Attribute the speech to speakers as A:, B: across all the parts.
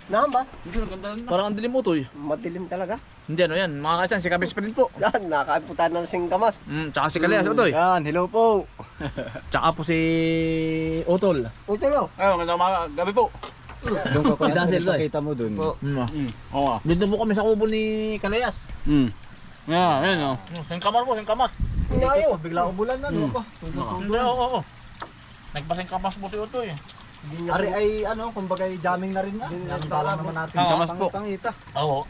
A: Nahan ba?
B: Hindi, ganda na.
C: Parang ang dilim mo to eh.
A: Madilim talaga.
C: Hindi ano yan, mga kaisan, si Kabis pa rin po.
A: Yan, nakain po tayo ng singkamas.
C: Tsaka si Kalayas, Utoy.
D: Yan, hello po.
C: Tsaka po si Utol.
A: Utulo.
B: Ay, magandang gabi po.
D: Doon ko
C: Si Dancel to eh.
D: kita mo doon.
B: Oo.
C: Dito po kami sa kubo ni Kalayas.
B: Yeah, ayun o.
C: Singkamas po, singkamas.
A: Ngayon.
D: Bigla umulan na, ano pa?
C: Hindi, oo. Nagpasingkamas po si Utoy.
D: Ari ay ano, kumbaga jamming na rin na. Yan lang naman natin.
B: Kamas po.
D: Pangita.
C: Oo.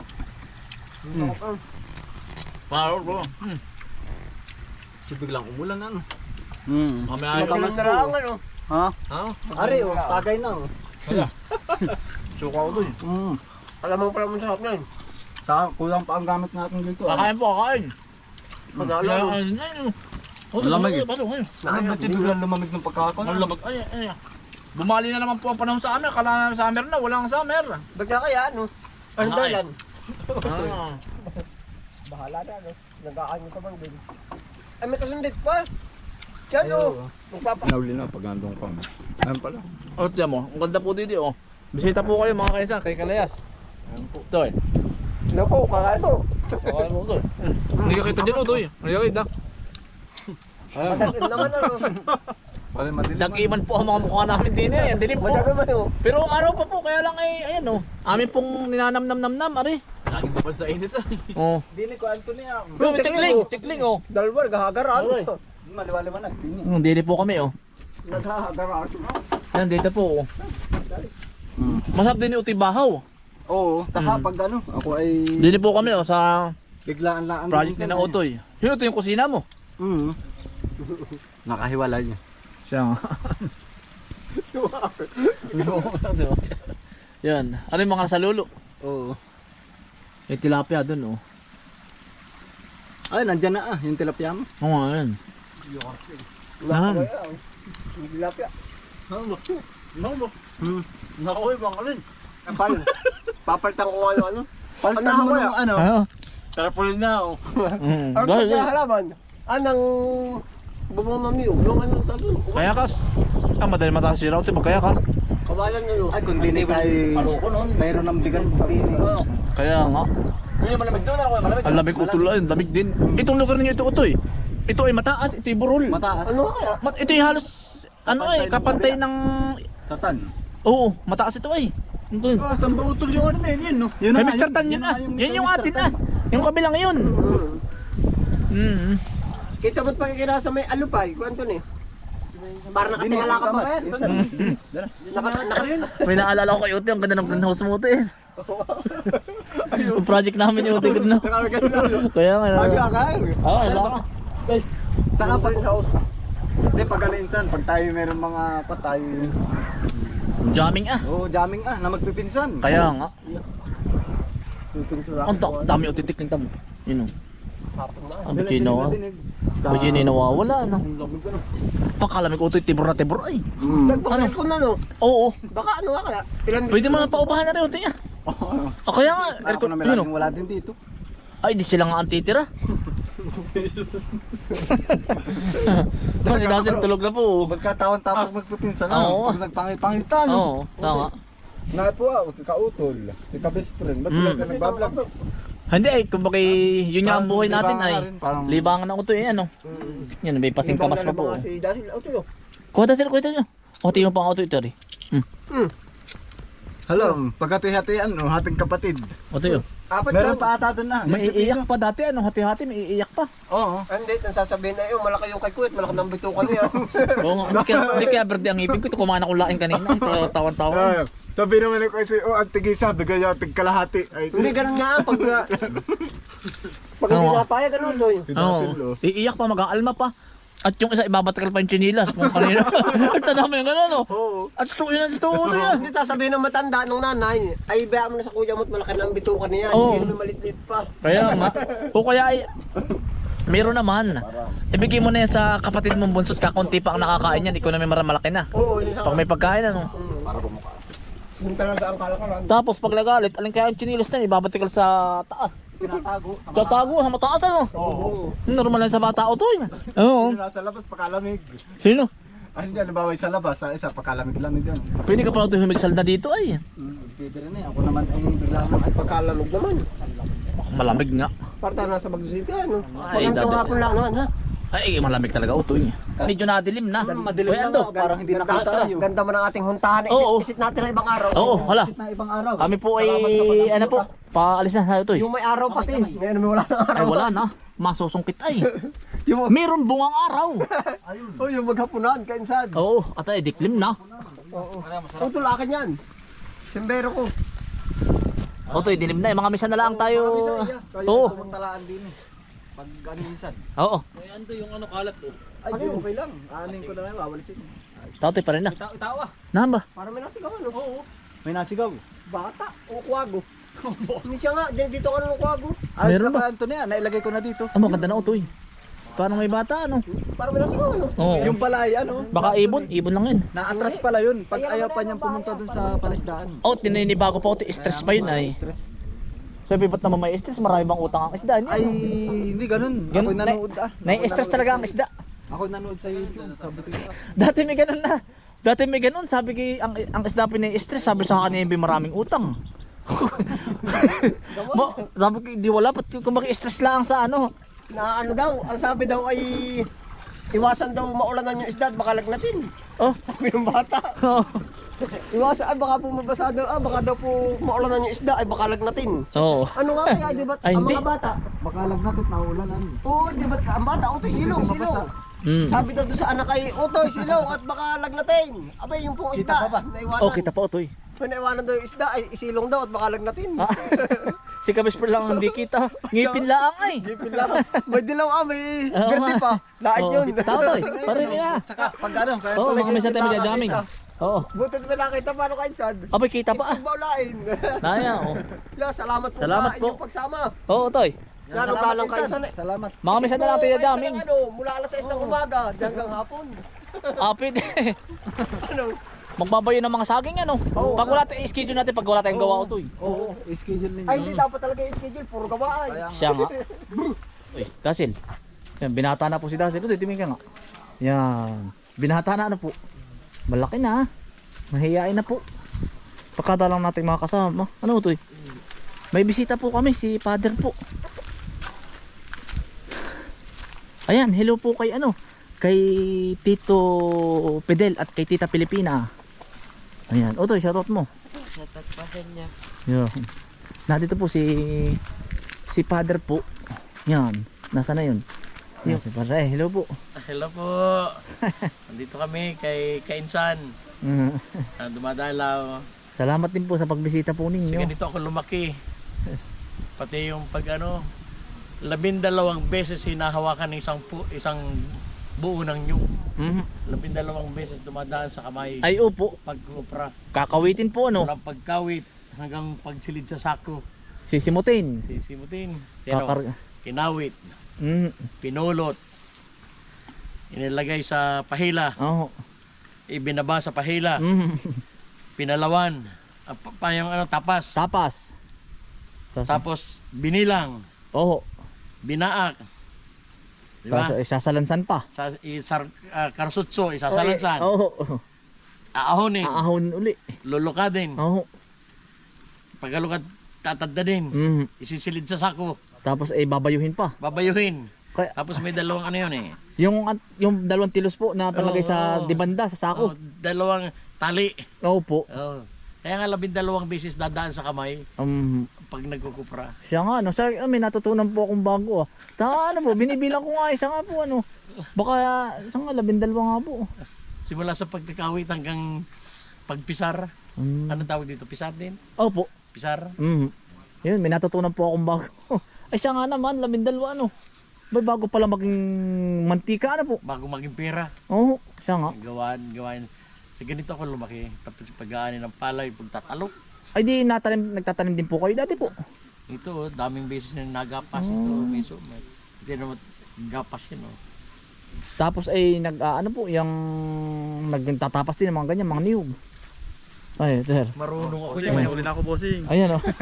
C: Paro po.
D: Kasi biglang umulan na, ano.
C: Kami ay
A: Madilim na lang ano.
B: Ha?
D: Ari, oh, tagay na, oh.
C: suka Utoy.
A: Alam mo pala mo sarap na yun.
D: Kulang pa ang gamit natin dito.
C: Kakain po, kakain.
A: Panalo.
B: Malamig eh.
C: Pasok ngayon.
D: Ano ba biglang lumamig ng pagkakon?
C: Ang lamag. Ay. Bumali na naman po ang panahon sa amin. Kala na summer na, walang summer.
A: Bagla kaya ano? Ano
C: Ay.
A: dahilan?
C: Ah.
A: Bahala na ano. Nag-aano ka bang din? Ay may kasundit pa. Yan o. Magpapa.
D: Nauli na pag andong ka. Ayun pala.
C: Oh, tiyan mo. Ang ganda po dito, oh. Bisita po kayo mga kaisan, kay Kalayas.
D: Ayun po.
C: Ito eh.
A: Ano po, kakain mo.
C: Kakain mo ito eh. Hindi ka kita dyan, ito eh. Hindi ka kita.
A: Madalim naman ano.
D: Pala madilim.
C: Nag-iman po ang mga mukha namin din eh. Ang dilim po.
A: Madalim naman o.
C: Pero araw pa po, kaya lang ay, ayan oh. Amin pong ninanam-nam-nam-nam, ari.
B: Laging babad sa init ah.
C: Oh.
D: Dini ko Anthony ah.
C: Pero tikling oh.
A: Dalawa, naghahagaraan.
C: Ay.
D: Maliwaliwanag. Dini.
C: Dili po kami oh.
A: Naghahagaraan.
C: Yan, dito po oh. Masarap din yung utibahaw.
D: Oo, taka pag ano, ako ay
C: Dili po kami oh, sa
D: biglaan lang ang
C: project ni na Otoy. Yun, ito yung kusina mo.
D: Nakahiwalay niya.
C: Siya nga. Yan. Ano yung mga salulo?
D: Oo.
C: May tilapia dun oh.
D: Ay, nandyan na yung tilapia mo.
C: Oo nga yan. Nahan.
A: Tilapia.
B: Nakuha bang alin?
A: Paano? Papalitan ko ano.
D: Palitan mo ng ano.
C: Ano?
B: Tarapulin na oh.
A: Ano
C: Dahil
A: kaya halaman? Anang bubong ng niyog. Yung ano tayo.
C: kaya kas. Madali mataas si Rauti pag kaya ka.
A: Kawalan nyo.
D: Ay, kung dini kay
B: Paluko nun.
D: mayroon ng bigas dini.
C: Kaya nga.
B: Yun yung malamig doon ako. Malamig.
C: Ang lamig utol ay, lamig din. Itong lugar ninyo ito utoy. Ito ay mataas, ito ay burol.
D: Mataas.
A: Ano kaya?
C: Ito ay halos ano ay kapantay ng
D: Tatan.
C: oo, mataas ito ay. Ito.
B: Saan ba utol yung ano na yun no?
D: Yun
C: Kay
D: na,
C: Mr. Tan yun ah. Yan yung atin ah. Yung kabilang yun.
A: Kita mo't pagkikira sa may alupay. Kwanto ni? Para nakatingala ka ba?
C: May naalala ko kay Uti, ang ganda ng greenhouse mo Uti. Yung project namin yung Uti greenhouse. Kaya nga. Oo, wala ka.
D: Saka pag hindi pag ano insan, pag tayo meron mga patay.
C: Jamming ah.
D: Oo, jamming na magpipinsan.
C: Kaya nga. Ang dami utitik ng tamo. Yun o. Ang bikino. Bikino nawawala no. Pakalamig utoy tibor na tibor ay.
A: Nagpapalil ko na no.
C: Oo.
A: Baka ano nga kaya? Ilan
C: Pwede mo na paupahan na rin utoy ah. Kaya nga.
D: Ako na
C: Yun,
D: meron wala din dito.
C: ay di sila nga ang titira. Kasi dati tulog na po.
D: Magkatawan tapos magpipinsan na.
C: Oo.
D: Pag nagpangipangitan.
C: Oo. Tama.
D: Nga po si Kautol, si Ka-best friend. Ba't sila nagbablog?
C: Hindi ay kumbaga yun nga ang buhay natin ay
D: Parang
C: libangan ng utoy ano. Yan may pasingkamas pa po.
A: Si Dasil Auto.
C: Kuha sila kuha nyo. O tingnan pa ang auto ito rin.
D: Hello, pagkati-hatian no, hating kapatid.
C: Utoy oh.
A: Apat
D: Meron
A: lang.
D: pa ata doon na.
C: May iiyak pa dati ano, hati-hati may iiyak pa.
D: Oo.
A: Hindi, ang sasabihin na yun, malaki yung kay Kuwait, malaki ng bitukan niya.
C: Oo nga, hindi kaya verde ang ngipin ko, ito kumain akong laking kanina, ito tawan-tawan.
D: Sabi naman ko kasi ang tigisa, bigay niya tig kalahati. Ay,
A: Hindi, ganun nga, pag hindi
C: Oo.
A: napaya, ganun doy.
D: si Dasil,
C: Oo, iiyak pa, mag-aalma pa. At yung isa, ibabatakal pa yung chinilas kung kanina. At tadama yung gano'n, no?
D: Oo.
C: At ito yun, ito yan.
A: Hindi sasabihin ng matanda ng nanay, ay bayaan mo na sa kuya mo at malaki na ang bitukan niya.
C: Oo.
A: Hindi naman malit-lit pa.
C: Kaya nga, o kaya ay, meron naman. Ibigay mo na yan sa kapatid mong bunso at kakunti pa ang nakakain yan, ikaw na may malaki na.
A: Oo, yun
C: Pag may pagkain, ano?
D: Para bumuka.
A: Yung talaga ang kalakaran.
C: Tapos pag nagalit, alin kaya yung chinilas na, ibabatikal sa taas.
D: Tinatago.
C: Tatago, sa mataas, ano?
A: Oo.
C: Normal lang sa bata o to, yun. Oo.
D: Nasa labas pakalamig.
C: Sino?
D: Ay, hindi, halimbawa sa labas, sa isa, pagkalamig-lamig yan.
C: Pwede ka pala ito humigsal na dito ay.
D: Pwede rin eh. Ako naman ay bigla lang ay
A: Pagkalamog naman.
C: Malamig nga.
A: Parta nasa Bagyo City, ano?
C: Ay,
A: Magandang
C: dati.
A: hapon lang naman, ha?
C: Ay, malamig talaga utoy. Medyo nadilim na.
D: madilim
C: Uy,
D: lang
C: ando.
D: ako, parang hindi nakita tayo.
A: Ganda man ang ating huntahan.
C: Oo.
A: Isit natin ang ibang araw.
C: Oo, hala.
D: Na ibang araw.
C: Kami po ay,
D: Salamat sa pag-asyuta.
C: ano po, paalis na tayo utoy.
A: Yung may araw pati. Ngayon may wala na
C: Ay,
A: araw.
C: wala na. Masusungkit ay.
A: Yung,
C: Meron bungang araw.
A: oh, yung maghapunan, kainsan.
C: Oo, at ay, diklim na.
A: Oo. Utol, akin yan. Simbero ko.
C: Utoy, dilim na. Mga misa na lang tayo.
D: Oo.
C: Oo.
D: Talaan din eh. Pag ano minsan.
C: Oo.
B: Ay, ando yung ano kalat oh.
D: Ay, di okay lang. Aanin ko na lang, wawalisin.
C: Tatoy pa rin na.
B: Itawa.
C: Nahan ba?
A: Para may nasigaw, ano?
B: Oo.
D: May nasigaw.
A: Bata o kwago. Hindi siya nga, dito ka ng kwago.
D: Ayos
C: Meron
D: na
C: ba?
D: ba, Antonia? Nailagay ko na dito.
C: Ah, maganda na utoy. Parang may bata, ano?
A: Para may nasigaw, ano?
C: Oo.
D: Yung pala ay ano?
C: Baka ibon lang yun.
D: Na-atras pala yun. Pag ayaw pa niyang pumunta dun sa palisdaan.
C: Oh, tininibago pa utoy. Stress pa yun ay.
D: Stress.
C: Sabi ba't naman may stress? Marami bang utang ang isda?
D: Ay, hindi ganun. Ako
C: Ganun,
D: nanood ah.
C: Nai-stress talaga ang isda.
D: Ako nanood sa YouTube. Sabi ko,
C: Dati may ganun na. Dati may ganun. Sabi ko, ang isda pinai-stress. Sabi sa kanya yung maraming utang. Sabi ko, di wala. Ba't kung maki-stress lang sa ano?
A: Na ano daw, ang sabi daw ay iwasan daw maulanan yung isda at baka lagnatin.
C: Oh.
A: Sabi ng bata. Iwasan, ay baka po mabasa daw, baka daw po maulanan yung isda ay baka lagnatin.
C: Oo.
A: Ano nga kaya, di ba?
C: Ay,
A: Ang
C: hindi.
A: mga bata.
D: baka lang natin naulan ano.
A: Oo, di ba? Ang bata, utoy, silong, silong.
C: Mm.
A: Sabi daw doon sa anak ay, utoy, silong at baka lagnatin. Abay, yung pong
D: Kita
A: isda,
D: pa ba?
A: naiwanan.
C: Oh, kita pa utoy.
A: Naiwanan daw yung isda ay isilong daw at baka lagnatin.
C: Ah. Si Kabisper lang ang hindi kita. Ngipin lang ay.
A: Ngipin lang. May dilaw may
C: Oo
A: verde
C: nga.
A: pa. Lahat
C: Oo,
A: yun.
C: Tatoy, parin na.
D: Saka pag ano, kaya
C: Oo,
D: talaga
C: mga misa tayo magdadaming. Oo.
A: Butit mo nakita paano kain sad.
C: Abay, kita pa ah.
A: Baulain.
C: Naya, oh.
A: Salamat po
C: Salamat
A: sa
C: po.
A: inyong pagsama.
C: Oo, Toy.
A: Yan, dalang kayo sana.
D: Salamat.
C: Mga misa na lang tayo daming.
A: Ano, mula alas 6 ng umaga hanggang hapon.
C: Apid.
A: Ano?
C: Magbabayo ng mga saging ano.
A: Oo.
C: Pag wala tayong schedule natin, pag wala tayong gawa Toy.
D: Oo, schedule ninyo.
A: Ay, hindi dapat talaga i-schedule. Puro gawa ay.
C: Siya nga. Uy, Dasil. Yan, binata na po si Dasil. Uy, tingin ka nga. Yan. Binata na ano po. Malaki na. Mahihain na po. Pagkada lang natin mga kasama. Ano Toy? May bisita po kami, si Father po. Ayan, hello po kay ano, kay Tito Fidel at kay Tita Pilipina. Ayan, Otoy, shoutout mo.
A: Shoutout pa sa inyo.
C: Yan. Nandito po si Father po. Yan, nasa na yun? Yan, si Father, hello po.
E: Hello po. Nandito kami kay Kainsan. Dumadalaw.
C: Salamat din po sa pagbisita po
E: Kasi
C: ninyo.
E: ganito ako lumaki. Pati yung pag ano, 12 beses hinahawakan ng isang buo ng nyug. 12 beses dumadaan sa kamay.
C: Ay, opo,
E: Pagkupra.
C: kakawitin po ano,
E: Mula pagkawit hanggang pagsilid sa sako.
C: sisimutin.
E: Sisimutin. Pero
C: Kakar-
E: kinawit,
C: Mm.
E: pinulot, inilagay sa pahila,
C: Oh.
E: ibinaba sa pahila,
C: Mm.
E: pinalawan, yung ano, tapas.
C: Tapas.
E: Tapos binilang,
C: Oh.
E: binaak. Di ba?
C: Tapos isasalansan pa.
E: Karsutso, isasalansan.
C: Oo.
E: Aahonin,
C: Aahon uli.
E: lulukadin.
C: Oo.
E: Pagkalukad, tatadda din.
C: Mm.
E: Isisilid sa sako,
C: Tapos ay babayuhin pa.
E: babayuhin.
C: Kaya
E: Tapos may dalawang ano yun eh.
C: yung dalawang tilos po na palagay sa
E: Oo.
C: dibanda sa
E: Oh,
C: sako.
E: dalawang tali.
C: Opo.
E: Oh. Kaya nga 12 beses dadaan sa kamay pag nagkukupra.
C: Siya nga no, sa may natutunan po akong bago ah. Ano po, binibilang ko nga isa nga po ano. Baka isa nga 12 nga po.
E: Simula sa pagkakawit hanggang pagpisar. Anong tawag dito? Pisar din?
C: Opo.
E: Pisar?
C: Yun, may natutunan po akong bago. Ay siya nga naman, 12 ano. May bago pala maging mantika ano po.
E: Bago maging pera.
C: Oo, siya nga.
E: Gawain. Sa ganito ako lumaki. Tapos pag-aanin ng palay, pagtatalok.
C: Ay di nagtatanim din po kayo dati po.
E: Ito, daming beses na nagapas ito. Miso. Hindi naman gapas yun. Oh.
C: Tapos ay ano po, yung nagtatapas din ng mga ganyan, mga niyog. Ay, sir.
E: Marunong ako yan.
D: Uli na ako, bossing.
C: Ayan oh.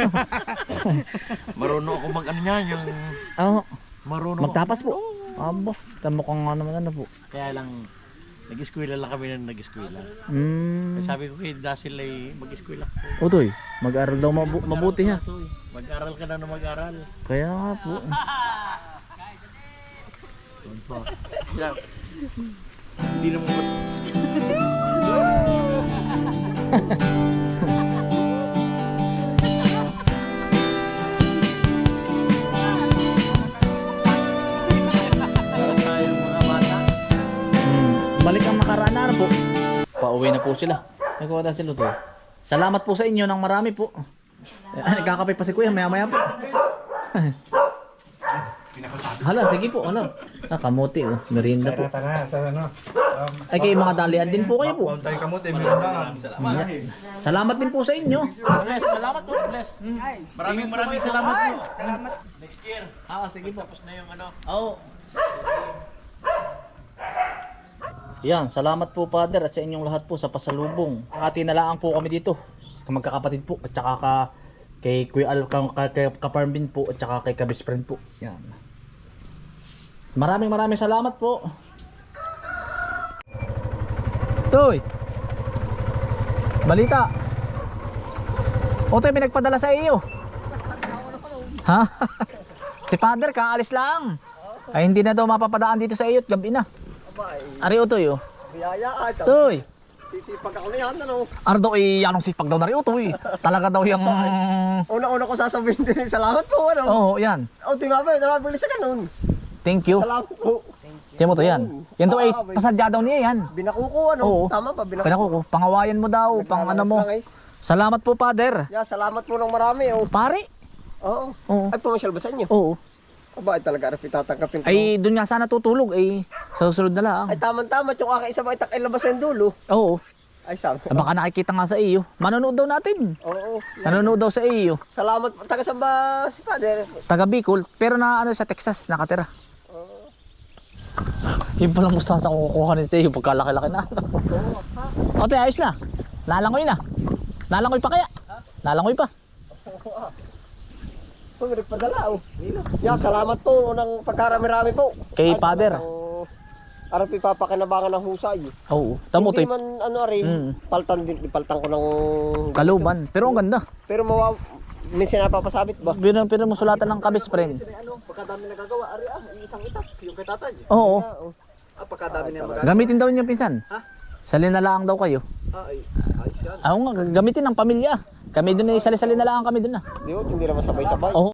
E: Marunong ako mag ano yan. Yung
C: Oo.
E: marunong
C: Magtapas
E: ako.
C: po. Abo, tamo kang nga naman ano po.
E: Kaya lang, Nag-eskwela lang kami na nag-eskwela.
C: Hmm.
E: Sabi ko kay Dasil ay mag-eskwela.
C: Utoy, mag-aral daw mabuti ha.
E: Mag-aral ka na mag-aral.
C: Kaya nga po.
E: Hindi naman
C: Balik ang nakaraan na ano po. Pauwi na po sila. Nagkuha sila to. Salamat po sa inyo ng marami po. Nagkakape pa si Kuya maya maya po. Hala, sige po. Hala. Kamuti oh. Merienda po. Ay kayo mga dalian din po kayo po. Salamat din po sa inyo.
E: Bless, salamat po, bless. Maraming salamat po. Salamat. Next year.
C: Sige po.
E: Tapos na yung ano.
C: Oo. Yan, salamat po Father at sa inyong lahat po sa pasalubong. Hati na lang po kami dito. Magkakapatid po at saka kay Kuya Al, kay Kaparmbin po at saka kay Kabis Friend po. Yan. Maraming salamat po. Toy. Balita. Otoy, may nagpadala sa iyo. Ha? Si Father kaalis lang. Ay hindi na daw mapapadaan dito sa iyo at gabi na. Ari Utoy oh.
A: Biyaya ata.
C: Toy.
A: Sisipag ako na yan, ano?
C: Ano daw anong sipag daw na rin Utoy. Talaga daw yung...
A: Una-una ko sasabihin din, salamat po, ano?
C: Oo, yan.
A: O, tingnan ba, narabili sa ganun.
C: Thank you.
A: Salamat po.
C: Tiyan mo to yan. Yan daw ay pasadya daw niya yan.
A: Binakuko, ano?
C: Oo.
A: Tama ba?
C: Pinakuko. Pangawayan mo daw. Pang ano mo. Salamat po, Father.
A: Yeah, salamat po ng marami, oh.
C: Pare.
A: Oo.
C: Oo.
A: Ay, pumasyal ba sa inyo?
C: Oo.
A: Aba, ay talaga, Rafi, tatanggapin ko.
C: Ay, doon nga sana tutulog. Ay, sa susunod na lang.
A: Ay, tama-tama, yung aking isa ba itak ilabas ng dulo.
C: Oo.
A: Ay, sabi.
C: Baka nakikita nga sa iyo. Manonood daw natin.
A: Oo.
C: Nanonood daw sa iyo.
A: Salamat, taga saan ba si Father?
C: Taga Bicol. Pero na ano sa Texas nakatira.
A: Oo.
C: Yung palang mustasa ko kukuha rin sa iyo pagkalaki-laki na. O, ayos na. Lalangoy na. Lalangoy pa kaya? Lalangoy pa.
A: Oh, may nagpadala, oh. Yeah, salamat po ng pagkarami-rami po.
C: Kay
A: Ay,
C: Father.
A: Arapi papakinabangan ng husay.
C: Oo. Tamo to.
A: Hindi man ano rin, paltan ko ng
C: Kaluban. Pero ang ganda.
A: Pero minsan napapasabit ba?
C: Pero mo sulatan ng Kabis Friend.
A: Ano, pagkadami nagagawa, isang itak, yung kay tatay.
C: Oo.
A: Pagkadami na magagawa.
C: Gamitin daw niya pinsan.
A: Ha?
C: Sali na lang daw kayo.
A: Ay, ayos yan.
C: Oo nga, gamitin ng pamilya. Kami doon ay sali-sali na lang kami doon na.
A: Hindi naman sabay-sabay.
C: Oo.